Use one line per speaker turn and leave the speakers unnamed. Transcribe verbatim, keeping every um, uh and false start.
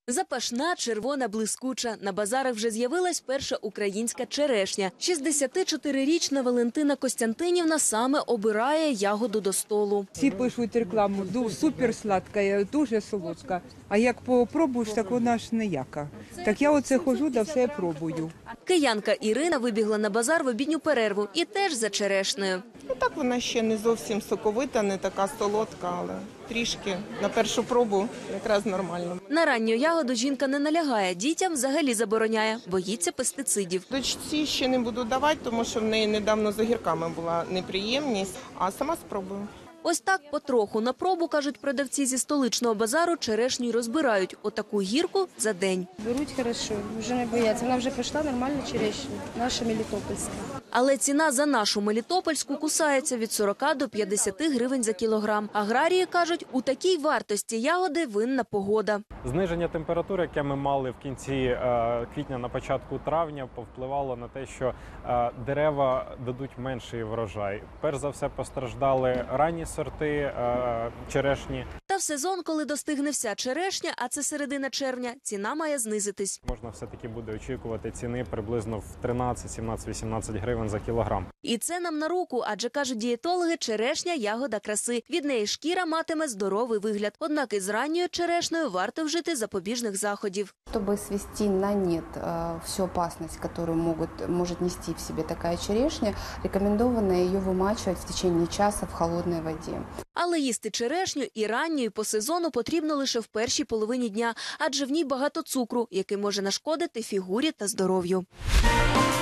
Запашна, червона, блискуча. На базарах вже з'явилась перша українська черешня. шістдесятичотирирічна Валентина Костянтинівна саме обирає ягоду до столу.
Всі пишуть рекламу, ду- супер сладка, дуже солодка. А як попробуєш, так вона ж ніяка. Так я оце ходжу, да все пробую.
Киянка Ірина вибігла на базар в обідню перерву і теж за черешнею.
Ну так вона ще не зовсім соковита, не така солодка, але трішки на першу пробу якраз нормально.
На ранню ягоду жінка не налягає, дітям взагалі забороняє, боїться пестицидів.
Дочці ще не буду давати, тому що в неї недавно з огірками була неприємність, а сама спробую.
Ось так потроху на пробу, кажуть продавці зі столичного базару, черешню й розбирають. Отаку гірку за день.
Беруть хорошо, вже не бояться. Вона вже пішла нормальна черешня, наша мелітопольська.
Але ціна за нашу мелітопольську кусається від сорока до п'ятдесяти гривень за кілограм. Аграрії кажуть, у такій вартості ягоди винна погода.
Зниження температури, яке ми мали в кінці е, квітня, на початку травня, повпливало на те, що е, дерева дадуть менший врожай. Перш за все постраждали ранні сорти е, черешні.
Та в сезон, коли достигне вся черешня, а це середина червня, ціна має знизитись.
Можна все-таки буде очікувати ціни приблизно в тринадцять, сімнадцять, вісімнадцять гривень за кілограм.
І це нам на руку, адже, кажуть дієтологи, черешня – ягода краси. Від неї шкіра матиме здоровий вигляд. Однак із ранньою черешнею варто вжити запобіжних заходів.
Чтобы свести на нет э, всю опасность, которую могут, может нести в себе такая черешня, рекомендовано ее вымачивать в течение часа в холодной воде.
Але їсти черешню і ранню, і по сезону потрібно лише в першій половині дня, адже в ній багато цукру, який може нашкодити фігурі та здоров'ю.